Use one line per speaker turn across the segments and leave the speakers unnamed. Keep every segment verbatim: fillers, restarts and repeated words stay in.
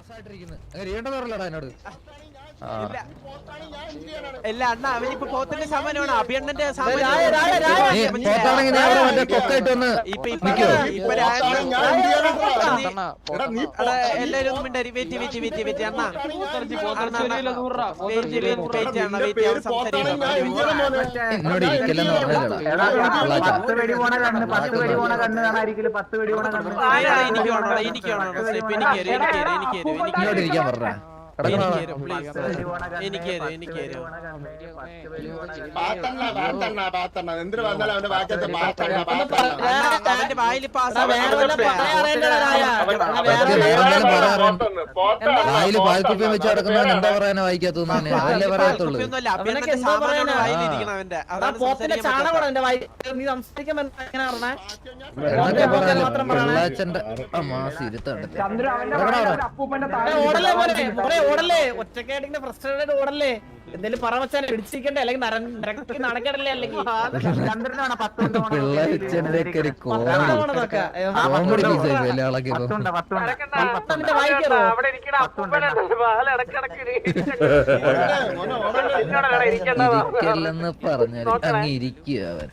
ഇല്ല അണ്ണ അവനിപ്പോ പോത്തിന്റെ സാമാനമാണ് അഭിയണ്ണന്റെ എല്ലാരും വെയിറ്റ് വെയിറ്റ് വെയിറ്റ് വെയിറ്റ് അണ്ണ എനിക്ക്
പാൽക്കുപ്പിയും വെച്ച് നടക്കുന്നവൻ എന്താ പറയാനാ വായിക്കാത്തത് അതല്ലേ പറയത്തുള്ളൂ. പിള്ളാച്ചന്റെ മാസം ഇരുത്തണ്ടല്ലേ
ഒറ്റക്കായിട്ട് ഫ്രസ്ട്രേറ്റഡ് ഓടല്ലേ എന്തേലും പറ വെച്ചാൽ പിടിച്ചിരിക്കണ്ടേ അല്ലെങ്കിൽ നടക്കടല്ലേ അല്ലെങ്കിൽ
ഇരിക്കല്ലെന്ന് പറഞ്ഞാൽ അങ്ങ് ഇരിക്കുക അവൻ.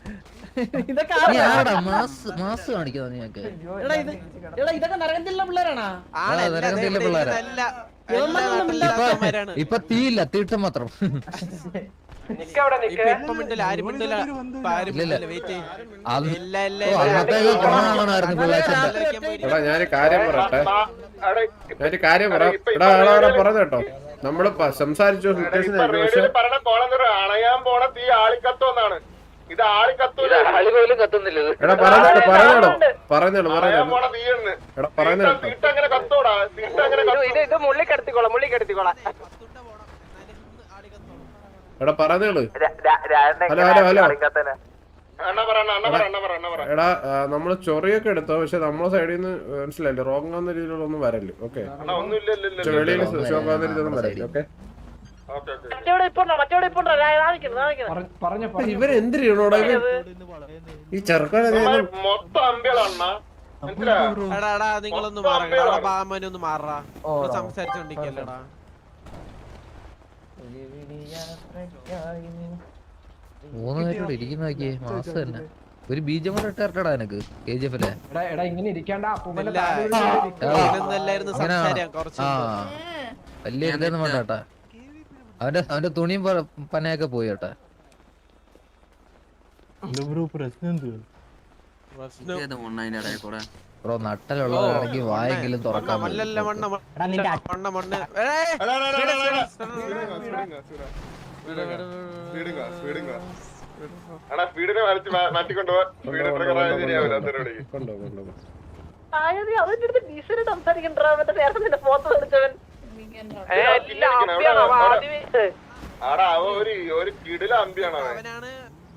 മാസ് കാണിക്കുന്ന നീയൊക്കെ
ഇതൊക്കെ നരകത്തിലുള്ള പിള്ളേരാണോ?
നരകത്തിലുള്ള പിള്ളേരാ. ഇപ്പൊ തീയില്ല തീട്ടം മാത്രം.
ഞാനൊരു കാര്യം പറയട്ടെ ഞാനൊരു കാര്യം പറയാം പറഞ്ഞു കേട്ടോ. നമ്മള് സംസാരിച്ചു സിറ്റുവേഷൻ
അണയാൻ പോണ തീ ആളിക്കത്തോന്നാണ്. ഇത് ആളി കത്തൂല.
എടാ പറഞ്ഞോളൂ പറഞ്ഞോളൂ പറഞ്ഞോളൂ എടാ പറഞ്ഞോളൂ
തീട്ടങ്ങനെ കത്തോടാ തീട്ടങ്ങനെ
ഇത് മുള്ളിക്കെടുത്തിക്കോളാം മുള്ളിക്കെടുത്തിക്കോളാം
എടാ പറഞ്ഞോളൂ. ഹലോ ഹലോ ഹലോ എടാ നമ്മള് ചൊറിയൊക്കെ എടുത്തോ പക്ഷെ നമ്മളെ സൈഡിൽ നിന്ന് മനസ്സിലായില്ലേ റോങ് ആവുന്ന രീതിയിലൊന്നും വരല്ലേ. ഓക്കെ വെളിയിൽ ഷോക്കാവുന്ന രീതിയിലൊന്നും വരല്ലേ. ഓക്കെ ഇവരെന്തിനാണോടാ ഈ ചെറുക്കനെ
മൊത്തം അമ്പികളാണ്.
നിങ്ങളൊന്ന് മാറാ മാറാ സംസാരിച്ചോണ്ടിരിക്കല്ലടാ.
മൂന്ന് പേരോട് ഇരിക്കുന്ന നോക്കിയേ മാസം തന്നെ ഒരു ബീജം കൂടെ ഇട്ടാ എനക്ക് കെ ജി എഫിലെ വലിയ ഇതൊന്നും വേണ്ട കേട്ടാ. അവന്റെ അവന്റെ തുണിയും പനയൊക്കെ പോയി കേട്ടാ. ബ്രോ നട്ടലുള്ളതാണെങ്കിൽ വായെങ്കിലും തുറക്കാൻ
ആടാ അവ ഒരു ഒരു കിടില അമ്പിയാണ് അവനാണ്.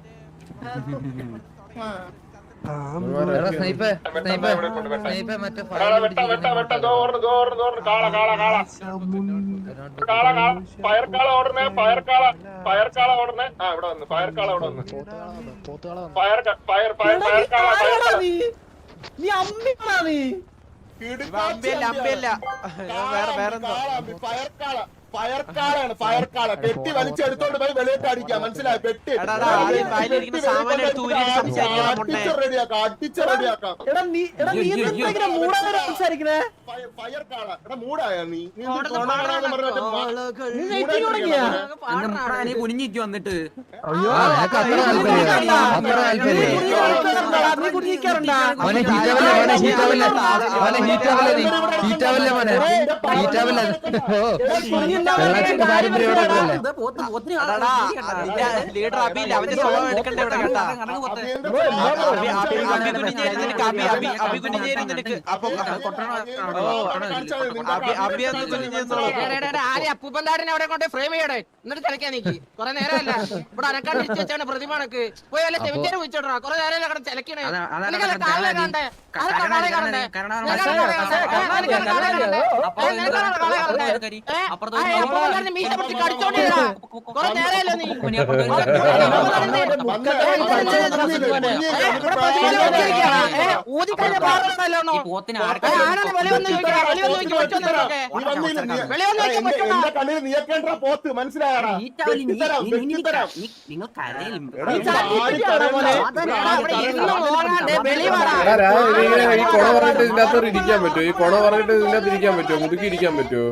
ഫയർക്കാള ഓടണേ ഫയർക്കാള ഫയർക്കാള ഓടണേ. ആ ഇവിടെ വന്നു ഫയർക്കാള അവിടെ വന്നു ഫയർ ഫയർ ഫയർ ഫയർക്കാള ഫയർക്കാള ഫയർക്കാളാണ് ഫയർക്കാള. പെട്ടി വലിച്ചെടുത്തോണ്ട് പോയി വെളിയിട്ട് അടിക്കാം മനസ്സിലായി. പെട്ടി റെഡിയാക്കാം അടിച്ച് റെഡിയാക്കാം. ഫയർക്കാള എടാ മൂടായ നീ
കുനിഞ്ഞിക്ക് വന്നിട്ട്
ലീഡർ അബിയില്ല അവന്റെ സ്വഭാവം എടുക്കണ്ടേ ഇവിടെ കേട്ടാ. അബി കുഞ്ഞേരി നിനക്ക് അപ്പൊ
അപ്പൂപ്പന്താടിനെ അവിടെ കൊണ്ട് ഫ്രെയിം ചെയ്യടേ എന്നിട്ട് കളിക്കാൻ നീക്കി കൊറേ നേരമല്ല ഇവിടെ അനക്കാണ്ട് ഇരിച്ചു വെച്ചാണ് പ്രതിമാണക്ക് പോയി വല്ല ചെവിച്ചേര് വിളിച്ചോടാ കൊറേ നേരം അവിടെ ചിലക്കണേ കാണണ്ടേ അപ്പുറത്ത് മീശ പിടിച്ച് കടിച്ചോണ്ടിരുന്നാ കൊറേ നേരമല്ലോ നീ ഊതിക്കഴിഞ്ഞ പാറല്ലോ ആരാണ് വെളിവന്ന് ചോദിക്കണ വെളിവന്ന് ചോദിക്കും പറ്റുമെന്നൊക്കെ വെളിവന്ന് ചോദിക്കാൻ പറ്റുമോ
എന്റെ കണ്ണിൽ നീക്കേണ്ട പോത്ത് മനസ്സിലായടാ
നിങ്ങൾ കരയിൽ
എടാ രാ, ഇതിങ്ങനെ ഈ കൊണ പറഞ്ഞിട്ട് ഇതിന്റെ അകത്ത് ഇരിക്കാൻ പറ്റുമോ? ഈ കൊണ പറഞ്ഞിട്ട് ഇതിന്റെ അകത്ത് ഇരിക്കാൻ പറ്റുമോ? മുതുക്കി ഇരിക്കാൻ പറ്റുമോ?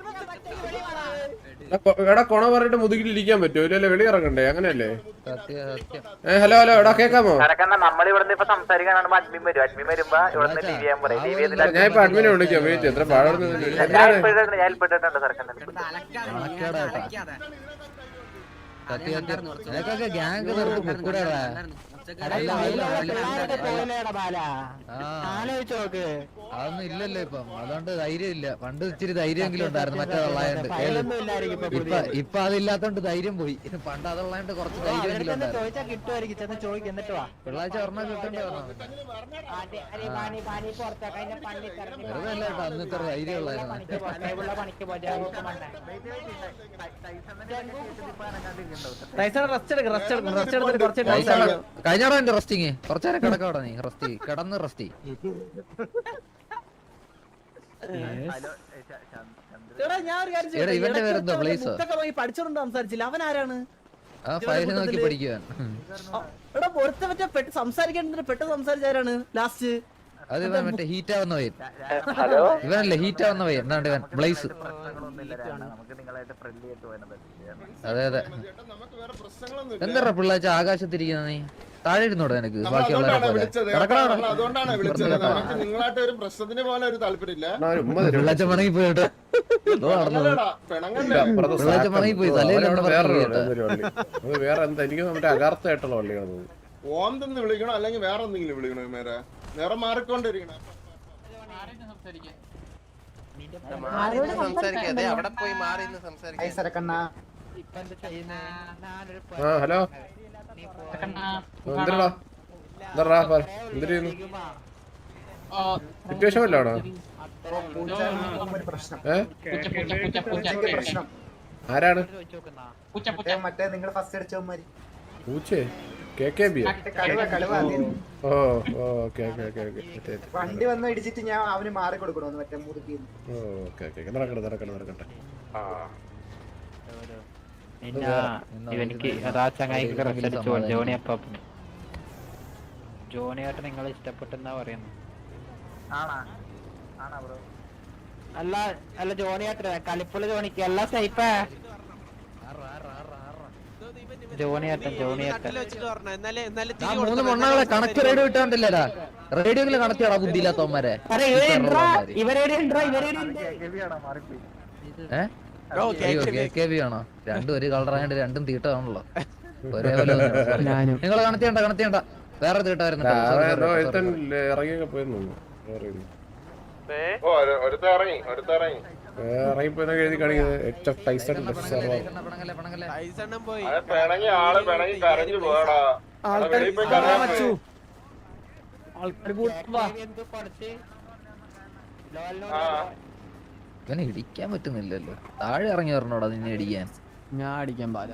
എടാ, കൊ- എടാ കൊണ പറഞ്ഞിട്ട് മുതുകിൽ ഇരിക്കാൻ പറ്റുമോ? ഇല്ലല്ലേ വെളി ഇറങ്ങണ്ടേ? അങ്ങനെയല്ലേ?
സത്യം സത്യം
ഏ ഹലോ ഹലോ എടാ കേക്കാമോ?
നമ്മളിവിടുന്ന് ഇപ്പൊ സംസാരിക്കാനാണ് അഡ്മിൻ വരും അഡ്മിൻ വരുമ്പോ ഇവിടുന്ന് ടി വി ചെയ്യാൻ പറയും ടി വി
ഞാൻ ഇപ്പൊ അഡ്മിനെ വിളിക്കാം. വെയിറ്റ് എത്ര പാടുന്നു എന്തിനാണ്?
ഞാൻ ഇൽപ്പെട്ടിട്ടുണ്ട് സർക്കാർ
കണക്കേടാ കേട്ടാ. സത്യം സത്യം നിനക്കൊക്കെ ഗ്യാങ് നിർത്തി പൊക്കൂടാ. അതൊന്നും ഇല്ലല്ലോ ഇപ്പം, അതുകൊണ്ട് ധൈര്യം ഇല്ല. പണ്ട് ഇച്ചിരി ധൈര്യമെങ്കിലും ഉണ്ടായിരുന്നു മറ്റേ തൊള്ളായോണ്ട്. ഇപ്പൊ ഇപ്പൊ അതില്ലാത്തോണ്ട് ധൈര്യം പോയി. പണ്ട് അതുള്ളാണ്ട് കുറച്ച് ധൈര്യമെങ്കിലും ഉണ്ടായിരുന്നു. പിള്ളാഴ്ച ഒരെണ്ണം കിട്ടണ്ടേ ഒരെണ്ണം. വെറുതെ അല്ല കേട്ടോ അന്ന് ഇത്ര ധൈര്യം ഉള്ളായിരുന്നു. കഴിഞ്ഞാടോ എന്റെ റെസ്റ്റിങ് കുറച്ചേരം കിടക്കവിടെ നീ റെസ്റ്റ് കിടന്ന് റെസ്റ്റ്. ഇവന്റെ പേരെന്തോ പ്ലേസ്
പഠിച്ചോണ്ട് സംസാരിച്ചില്ല. അവൻ ആരാണ്?
ആ ഫയൽ നോക്കി പഠിക്കുവാൻ.
എടാ പൊരുത്ത മറ്റേ പെട്ട് സംസാരിക്കേണ്ടത് പെട്ടെന്ന് സംസാരിച്ചാരാണ് ലാസ്റ്റ്?
അത് ഇവൻ മറ്റേ ഹീറ്റ് ആവുന്ന പയ്യൻ. ഇവനല്ലേ ഹീറ്റ് ആവുന്ന പയ്യൻ എന്നാണ്ട് ഇവൻ ബ്ലേസ്. അതെ അതെ. എന്താ പിള്ളാച്ച ആകാശത്തിരിക്കുന്ന നീ? താഴെ ഇരുന്നോടെ നിനക്ക് ബാക്കിയുള്ളവരെ
വിളിച്ചത് അതുകൊണ്ടാണ് വിളിച്ചത്. നമുക്ക് നിങ്ങളായിട്ട് ഒരു പ്രശ്നത്തിന് പോലെ ഒരു താല്പര്യമില്ല.
പിള്ളാച്ച മണങ്ങി പോയിട്ടോ. പിള്ളാച്ച മണങ്ങി പോയി തലയിൽ
വേറെ എന്താ എനിക്ക് മറ്റേ അകാർത്തായിട്ടുള്ള വള്ളിയാണ്.
ഓന്തെന്ന് വിളിക്കണോ അല്ലെങ്കിൽ വേറെ എന്തെങ്കിലും വിളിക്കണോ? മേരെ നേരെ മാറിക്കൊണ്ടിരിക്കണം.
അവിടെ പോയി മാറി സംസാരിക്കാം.
ആ ഹലോ എന്തിനാ എന്താ എന്തിനു സിറ്റുവേഷൻ വല്ലാണോ? ഏ ആരാണ്
മറ്റേ നിങ്ങൾ ഫസ്റ്റ് അടിച്ചവന്മാര്
പൂച്ചേ കെ കെ ബി? ഓ ഓക്കെ ഓക്കെ ഓക്കെ ഓക്കെ.
വണ്ടി വന്ന് ഇടിച്ചിട്ട് ഞാൻ അവന് മാറി കൊടുക്കണോന്ന് മറ്റേ മുറുക്കി.
ഓക്കെ ഓക്കെ നടക്കട്ടെ നടക്കട്ടെ നടക്കട്ടെ.
ഇവനിക്ക് അതാ ചങ്ങായിക്ക് റെസ്റ്റടിച്ചു ജോണി അപ്പം ജോണിയായിട്ട് നിങ്ങൾ ഇഷ്ടപ്പെട്ടെന്നാ പറയുന്നത്. അല്ല അല്ല ജോണിയായിട്ട് കളിപ്പുള്ള ജോണിക്ക് അല്ല സൈപ്പേ ജോണിയാട്ടൻ ജോണിയാട്ടൻ
മൂന്ന് മണ്ണാളെ കണക്ട് റേഡിയോ ഇട്ടാണ്ടില്ലടാ. റേഡിയോയില് കണക്റ്റാടാ ബുദ്ധിയില്ലാത്തവന്മാരെ. ആണോ? രണ്ടും ഒരു കളറായോണ്ട് രണ്ടും തീട്ടാണല്ലോ ഒരേപോലെ. നിങ്ങൾ കണക്ട് ചെയ്യണ്ട കണക്ട് ചെയ്യണ്ട വേറെ തീട്ട വരുന്നുണ്ട്.
ഇറങ്ങിയൊക്കെ പോയെന്നു
ഇറങ്ങി ഒരുത്തിറങ്ങി
ഇറങ്ങിപ്പോയി എഴുതി കാണിക്കുന്നത്
പിണങ്ങി ആള് പിണങ്ങി കരഞ്ഞു പോയടാ.
ഇവനെ ഇടിക്കാൻ പറ്റുന്നില്ലല്ലോ. താഴെ ഇറങ്ങി വരണോടാ നിന്നെ ഇടിക്കാൻ.
ഞാൻ അടിക്കാൻ പാല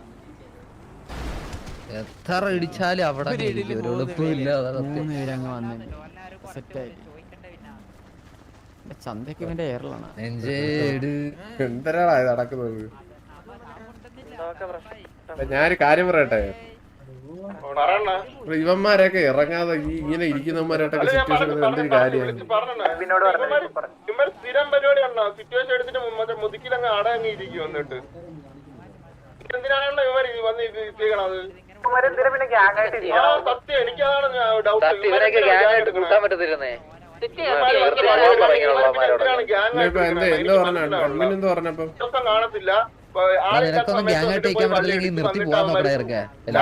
എത്ര ഇടിച്ചാലും അവിടെ ഒരു എളുപ്പമില്ല.
സെറ്റായി ചന്തയ്ക്ക് ഇവന്റെ എയറിലാണ്.
നെഞ്ചേട് എന്തരാടാ ഇത് നടക്കുന്നത്? ഞാനൊരു കാര്യം പറയട്ടെ. ഇവന്മാരൊക്കെ ഇറങ്ങാതെ ഈ ഇങ്ങനെ ഇരിക്കുന്നവന്മാരായിട്ടൊക്കെ സിറ്റുവേഷൻ എന്തൊരു കാര്യമാണ്.
സ്ഥിരം പരിപാടിയാണോ? സിറ്റുവേഷൻ എടുത്തിട്ട് മറ്റേ മുതുക്കിലങ്ങ് അടങ്ങി ഇരിക്കും. വന്നിട്ട് എന്തിനാണല്ലോ ഇവർ വന്ന് ചെയ്യണത്? സത്യം എനിക്കതാണ് ഡൗട്ട്. കാണത്തില്ല.
നിനക്കൊന്നും ഗ്യാങ്ങായിട്ട് അയക്കാൻ പറ്റില്ലെങ്കിൽ നിർത്തി പോവാൻ നോക്കടാ ഇറക്കെ.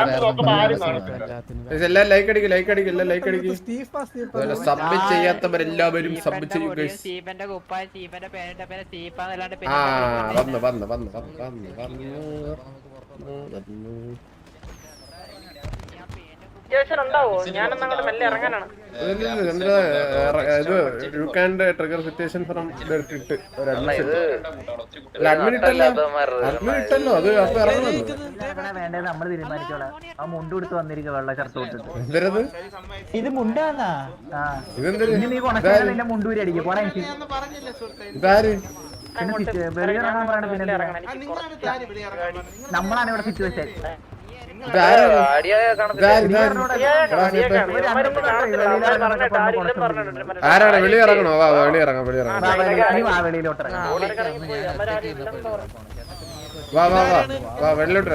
എല്ലാം ലൈക്ക് അടിക്കും ലൈക്ക് അടിക്കും എല്ലാം ലൈക്ക് അടിക്കും. സബ് ചെയ്യാത്തവരെല്ലാവരും സബ് ചെയ്യും. ആ വന്നു വന്നു വന്നു വന്നു വന്നു വന്നു.
സിറ്റുവേഷൻ ഉണ്ടാവോ? ഞാനൊന്നും അങ്ങോട്ട് മെല്ലെ ഇറങ്ങാനാണ്.
ഇത് you can trigger situation from ഇട്ട് ഒരു അഡ്മിൻ അഡ്മിൻ ഇട്ടല്ലോ അഡ്മിൻ ഇട്ടല്ലോ അത് അപ്പൊ ഇറങ്ങുമല്ലോ.
വേണ്ടത് നമ്മൾ തീരുമാനിച്ചോളാം. ആ മുണ്ട് കൊടുത്ത് വന്നിരിക്കുക വെള്ള ഷർട്ട് കൊടുത്തിട്ട്.
എന്തരത്
ഇത് മുണ്ടാന്നാ?
ഇതെന്തൊരു
നീ കൊണക്കാൻ നിന്റെ മുണ്ടൂരി അടിക്കും പോടാ.
ഇതാര്
പിന്നെ വെളിയിറങ്ങാൻ പറയണ പിന്നെ നമ്മളാണ് ഇവിടെ സിറ്റുവേഷൻ.
ആരാണ് വെളി ഇറങ്ങണോ? വാ വെളി ഇറങ്ങാം വെളി ഇറങ്ങാം
വെളിയിലോട്ട്
വാ വാ വാ വാ വെള്ളിലോട്ട്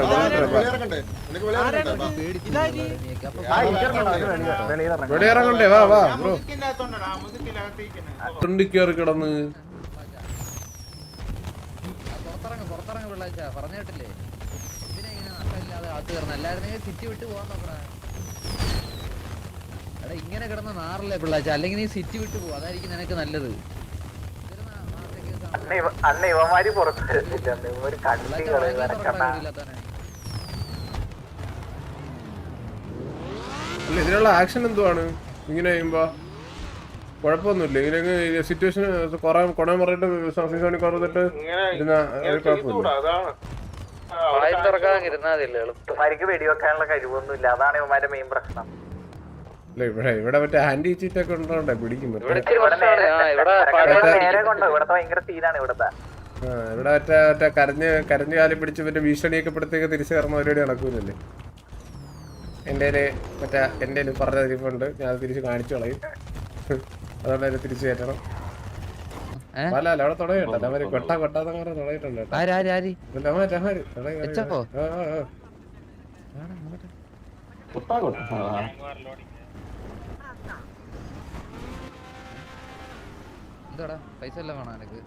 വെളി ഇറങ്ങണ്ടേ? വാ വാ ബ്രോ തുണ്ടി കയറി കിടന്ന്
പറഞ്ഞിട്ടില്ലേ അല്ലായിരുന്നെങ്കിൽ സിറ്റി വിട്ട് പോവാൻ നോക്കണ. എടാ ഇങ്ങനെ കിടന്ന നാറില്ലേ പിള്ളാച്ച, അല്ലെങ്കിൽ നീ സിറ്റി വിട്ട് പോവാ, അതായിരിക്കും നിനക്ക് നല്ലത്.
അന്ന് ഇവന്മാര് പുറത്ത്
അല്ല ഇതിനുള്ള ആക്ഷൻ എന്തുവാണ് ഇങ്ങനെ ചെയ്യുമ്പോ? കുഴപ്പമൊന്നുമില്ല ഇങ്ങനെ സിറ്റുവേഷൻ കൊറേ കൊണ പറഞ്ഞിട്ട് സോണി കുറഞ്ഞിട്ട് ഇരുന്ന കുഴപ്പമില്ല.
ഇവന്മാർക്ക് വെടിവെക്കാനുള്ള കഴിവൊന്നുമില്ല, അതാണ് ഇവന്മാരുടെ മെയിൻ പ്രശ്നം.
അല്ല ഇവിടെ ഇവിടെ മറ്റേ ഹാൻഡി ചീറ്റൊക്കെ ഉണ്ടോണ്ടേ പിടിക്കും.
നേരെ കൊണ്ടോ ഇവിടത്തെ ഭയങ്കര സീനാണ് ഇവിടത്തെ.
ആ ഇവിടെ മറ്റേ മറ്റേ കരഞ്ഞ് കരഞ്ഞു കാലി പിടിച്ച് മറ്റേ ഭീഷണിയൊക്കെ പെടുത്തേക്ക് തിരിച്ചു കയറുന്ന പരിപാടി നടക്കൂലല്ലേ? എൻ്റെ മറ്റേ എൻ്റെ പറഞ്ഞ തിരിപ്പുണ്ട്, ഞാൻ തിരിച്ച് കാണിച്ചു കളയും. അതുകൊണ്ട് അതിനെ തിരിച്ചു കയറ്റണം. അല്ല അല്ല അവിടെ തുടങ്ങിയിട്ടുണ്ട് അവര് കൊട്ട കൊട്ടാന്ന് പറഞ്ഞ തുടങ്ങിയിട്ടുണ്ട്.
എന്താടാ പൈസ എല്ലാം വേണം എനക്ക്.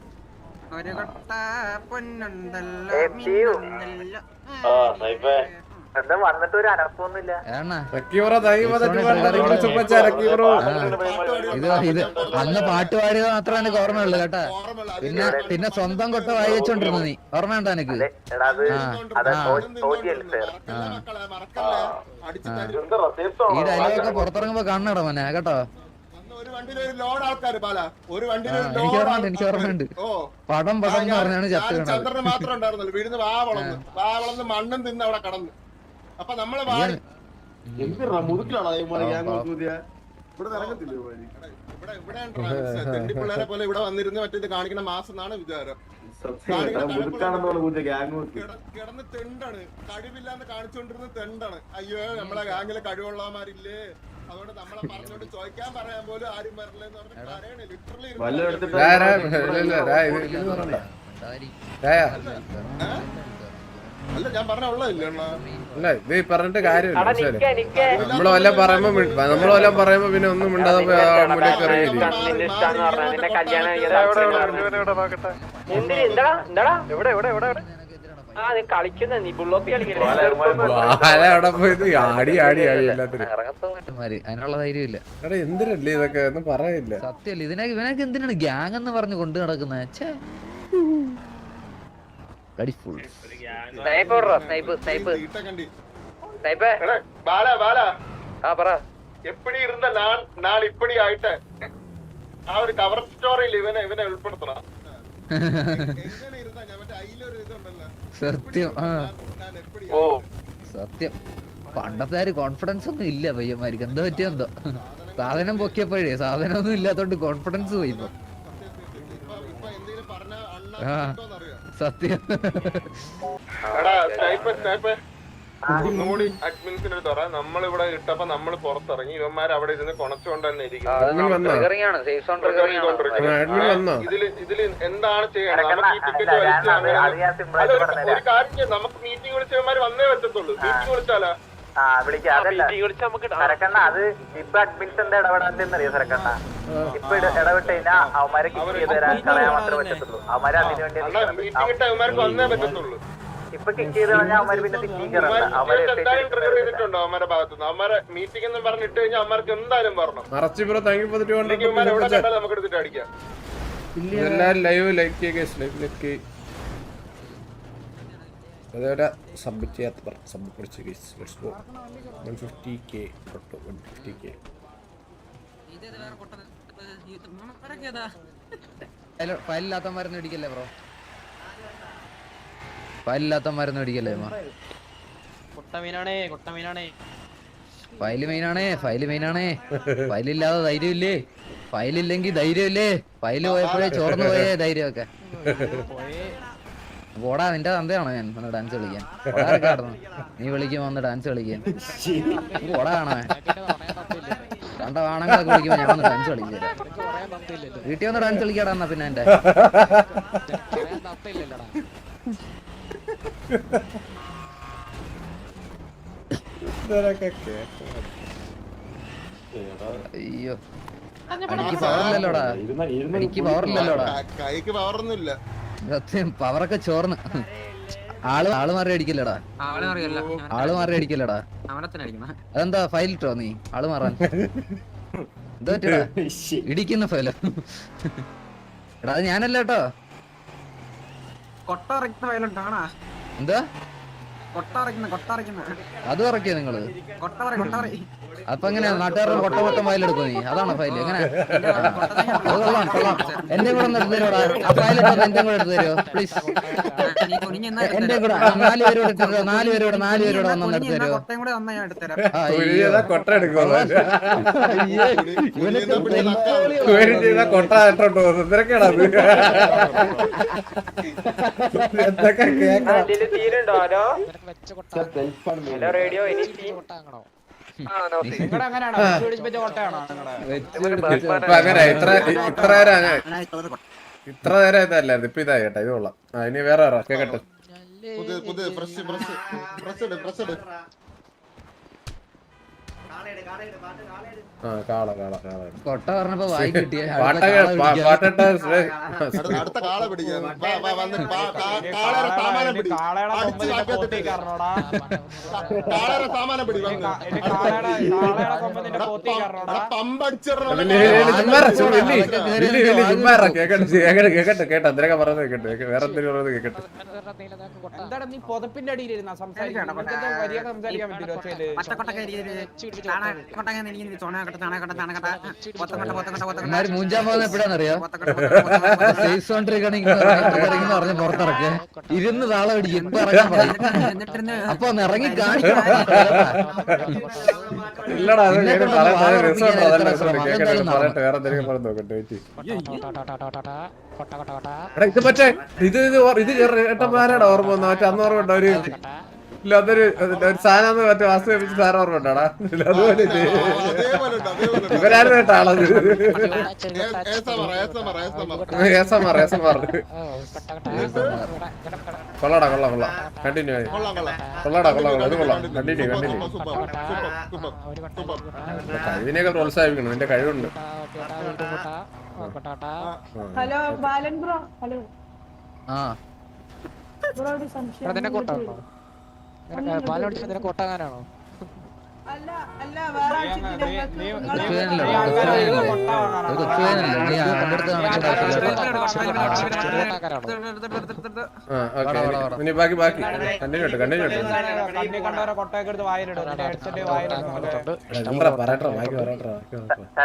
എന്താ വന്നിട്ട് ഒരു അനക്കൊന്നുമില്ല.
ഇത് അന്ന് പാട്ട് പാടിയത് മാത്രമേ എനിക്ക് ഓർമ്മയുള്ളൂ കേട്ടാ. പിന്നെ പിന്നെ സ്വന്തം കൊട്ട വായി വെച്ചോണ്ടിരുന്നു നീ, ഓർമ്മയുണ്ടോ എനിക്ക്? ഈ ഡയലോഗൊക്കെ പുറത്തിറങ്ങുമ്പോ കാണണടാ മോനെ കേട്ടോ. എനിക്ക് ഓർമ്മയുണ്ട് എനിക്ക് ഓർമ്മയുണ്ട് പടം പടം എന്ന് പറഞ്ഞാണ് ചത്ത്
ചന്ദ്രന് മാത്രം ഉണ്ടായിരുന്നല്ലോ വീടിന്ന് വാ വളർന്ന് വാ വളർന്ന് മണ്ണും തിന്ന് അവിടെ കടന്ന്. അപ്പൊ നമ്മള് മുതുക്കിലാണോ ഇവിടെ ഇവിടെ പിള്ളേരെ പോലെ ഇവിടെ വന്നിരുന്ന് മറ്റേത് കാണിക്കണ മാസം എന്നാണ് വിചാരം. കിടന്ന് തെണ്ടാണ്, കഴിവില്ലാന്ന് കാണിച്ചോണ്ടിരുന്ന തെണ്ടാണ്. അയ്യോ നമ്മളെ ഗാംഗിലെ കഴിവുള്ളമാരില്ലേ, അതുകൊണ്ട് നമ്മളെ പറഞ്ഞോണ്ട് ചോദിക്കാൻ പറയാൻ പോലും ആരും വരില്ലെന്ന് പറഞ്ഞ് പറയണേ. ലിറ്ററലി അല്ല ഞാൻ പറഞ്ഞ ഉള്ളതല്ലേ
അല്ല ഇത് പറഞ്ഞിട്ട് കാര്യമില്ല. നമ്മള് വല്ലതും പറയുമ്പോ നമ്മള് വല്ലതും പറയുമ്പോ പിന്നെ ഒന്നും മിണ്ടാതെ മുന്നിലേക്ക് ഇറങ്ങിയില്ല. അവിടെ പോയത് ആടി ആടി ആടി എല്ലാത്തിനും
അതിനുള്ള ധൈര്യമില്ല.
എടാ എന്തിനല്ലേ ഇതൊക്കെ ഒന്നും പറയില്ല.
സത്യമല്ല ഇതിനെ ഇവനൊക്കെ എന്തിനാണ് ഗ്യാങ് എന്ന് പറഞ്ഞ് കൊണ്ടു നടക്കുന്നത്?
എപ്പടി ഇരുന്ന നാൾ ഇപ്പടി ആയിട്ട് ആ ഒരു കവർ സ്റ്റോറിയിൽ ഇവനെ ഇവനെ ഉൾപ്പെടുത്തണം.
സത്യം ആ സത്യം പണ്ടത്തെ ഒരു കോൺഫിഡൻസ് ഒന്നും ഇല്ല പയ്യന്മാർക്ക്. എന്താ പറ്റിയ എന്തോ സാധനം പൊക്കിയപ്പോഴേ സാധനം ഒന്നും ഇല്ലാത്തോണ്ട് കോൺഫിഡൻസ് പോയി ഇപ്പൊ. ആ സത്യം
ഒന്നുകൂടി അഡ്മിൻസിന് തുറ. നമ്മളിവിടെ ഇട്ടപ്പോ നമ്മള് പുറത്തിറങ്ങി, ഇവന്മാർ അവിടെ ഇരുന്ന് കൊണച്ചുകൊണ്ട് തന്നെ ഇരിക്കും. ഇതില് ഇതില് എന്താണ് ചെയ്യണം? നമുക്ക് ഈ ടിക്കറ്റ് വലിച്ചു ഒരു കാര്യം, നമുക്ക് മീറ്റിംഗ് വിളിച്ച ഇവന്മാർ വന്നേ പറ്റത്തുള്ളൂ. മീറ്റിംഗ് വിളിച്ചാലോ?
ആ വിളിക്കാം. അതല്ല സരക്കണ്ണ, അത് ഇപ്പൊ അഡ്മിൻസ് എന്താ ഇടപെടാത്തെന്നറിയോ സരക്കണ്ണ? ഇപ്പൊ ഇടപെട്ട് കഴിഞ്ഞാൽ അവന്മാരെ കിക്ക് ചെയ്ത് തരാൻ കളയാൻ മാത്രമേ പറ്റത്തുള്ളൂ. അവന്മാരെ അതിനു വേണ്ടി
മീറ്റിംഗ് ഇട്ട ഇവന്മാർക്ക് വന്നേ പറ്റത്തുള്ളൂ.
ഇപ്പൊ കിക്ക് ചെയ്ത് കഴിഞ്ഞാൽ അവന്മാര് പിന്നെ
എന്തായാലും ട്രിഗർ ചെയ്തിട്ടുണ്ടോ അവന്മാരുടെ ഭാഗത്തുനിന്ന്? അവന്മാരെ മീറ്റിംഗ് എന്ന് പറഞ്ഞിട്ട് കഴിഞ്ഞാൽ അവന്മാർക്ക് എന്തായാലും പറഞ്ഞു നമുക്ക് എടുത്തിട്ട് അടിക്കാം.
ലൈവ് ലൈക്ക് ലൈവ് ലൈക്ക് അതേപോലെ സബ്മിറ്റ് ചെയ്യാത്ത സബ്മിറ്റ് പഠിച്ച case let's go one fifty K one fifty K
ഫയലില്ലാത്ത മരുന്ന് ഇടിക്കല്ലേ ബ്രോ, ഫയലില്ലാത്ത മരുന്ന് ഇടിക്കല്ലേ? ഫയല് മെയിനാണേ, ഫയല് മെയിനാണേ. ഫയലില്ലാതെ ധൈര്യമില്ലേ? ഫയലില്ലെങ്കിൽ ധൈര്യമില്ലേ? ഫയല് പോയപ്പോഴേ ചോർന്നു പോയേ ധൈര്യമൊക്കെ. പോടാ, നിന്റെ തന്തയാണോ ഞാൻ വന്ന് ഡാൻസ് കളിക്കാൻ? പോടാർക്കായിരുന്നു നീ വിളിക്കുമ്പോ വന്ന് ഡാൻസ് കളിക്കാൻ? പോടാ കാണാൻ കണ്ട വാണങ്ങളൊക്കെ വിളിക്കുമ്പോ ഞാൻ വന്ന് ഡാൻസ് കളിക്കാൻ. വീട്ടിൽ വന്ന് ഡാൻസ് കളിക്കാടാ എന്നാ പിന്നെ എന്റെ അയ്യോ എനിക്ക് പവറില്ലല്ലോടാ, എനിക്ക് പവറില്ലല്ലോടാ.
കൈക്ക് പവറൊന്നുമില്ല.
സത്യം പവറൊക്കെ ചോർന്ന്. ആള് ആള് മാറി അടിക്കില്ലടാ, ആള് മാറി അടിക്കില്ലടാ. അതെന്താ ഫയൽ ഇട്ടോ നീ ആള് മാറാൻ? എന്താ പറ്റിയടാ ഇടിക്കുന്ന ഫയലോ? എടാ അത് ഞാനല്ല കേട്ടോ. എന്താ അത് ഇറക്കിയോ നിങ്ങള്? അപ്പൊ എങ്ങനെയാ നാട്ടുകാരുടെ കൊട്ട മൊത്തം ഫയലെടുക്കോ നീ? അതാണോ ഫയൽ? എങ്ങനെ? അത് കൊള്ളാം കൊള്ളാം. എന്റെ കൂടെ ഒന്ന് എടുത്തു തരുമോടാ ആ ഫയലിട്ട്? എന്റെ കൂടെ എടുത്തു തരുമോ പ്ലീസ്? എന്റെ കൂടെ നാല് പേരോട് ഇട്ടിട്ടോ, നാല് പേരോട് നാല് പേരോട് വന്നൊന്ന് എടുത്തു തരുമോ?
കൊട്ട എടുക്കോ? കൊട്ട ഇട്ടോട്ടോ എന്തൊക്കെയാണോ എന്തൊക്കെ കേൾക്കാം.
റേഡിയോ
അങ്ങനെ ഇത്ര ഇത്ര നേരം ഇത്ര നേരം ഇതല്ലായിരുന്നു, ഇപ്പൊ ഇതായി കേട്ടോ. ഇത് കൊള്ളാം. ആ ഇനി വേറെ കേക്കട്ടെ.
പുതിയ പുതിയ ഫ്രഷ് ഫ്രഷ് ഫ്രഷ് ഇട് ഫ്രഷ് ഇട്.
ആ കാള കാള കാള
കൊട്ട പറഞ്ഞപ്പോ വായി കിട്ടിയ
പാട്ടിട്ട
അടുത്ത കാള പിടിക്കാൻ കാളയുടെ സാമാനം പിടി. കാളയുടെ സാമാനം പിടി.
കേക്കട്ടെ കേക്കട്ടെ കേട്ടോ എന്തിനൊക്കെ പറയുന്നത് കേക്കട്ടെ. വേറെ എന്തെങ്കിലും പറയുന്നത് കേക്കട്ടെ.
എന്താണ് നീ പൊതപ്പിന്റെ അടിയിലിരുന്ന സംസാരിക്കാൻ
മൂഞ്ചാൻ പോകുന്ന എപ്പോഴാന്നറിയോ? സേഫ് സോൺ ട്രിഗറിങ് പറഞ്ഞ് പുറത്തിറക്കുക ഇരുന്ന് താളം പിടിക്കും. ഇപ്പൊ ഇറങ്ങാൻ പറയും, അപ്പൊ ഒന്ന് ഇറങ്ങി കാണിക്കണം.
ഇല്ലടാ അത് പറയട്ടെ. വേറെ എന്തെങ്കിലും പറഞ്ഞു നോക്കട്ടെ. ഇത് മറ്റേ ഇത് ഇത് ഏട്ടന്മാരാണ് ഓർമ്മ വന്ന മറ്റേ അന്ന് ഓർമ്മ ഉണ്ടോ? ഒരു ഇല്ല അതൊരു ഒരു സാധനം മറ്റേ വാസ്തു വെപ്പിച്ച് സാധനം ഓർമ്മ ഉണ്ടാടാ. അതുപോലെ ഇവരാരും കേട്ട ആളത്. ഏസമാർ ഏസമാർ കൊള്ളാടാ കൊള്ളാം കൊള്ളാം. കണ്ടിന്യൂ ആയി കൊള്ളാടാ കൊള്ളാം കൊള്ളാം. ഇത് കൊള്ളാം. Continue continue. കഴിവിനെയൊക്കെ പ്രോത്സാഹിപ്പിക്കണം. നിന്റെ കഴിവുണ്ട്.
ഹലോ ബാലൻ ബ്രോ. ഹലോ
ആ
കൊട്ടാകാനാണോ? അല്ല അല്ല വേറെ
ബാക്കി ബാക്കി കണ്ടിന്യൂ കണ്ടിന്യൂ പറയട്ടെ ബാക്കി പറയട്ടെ.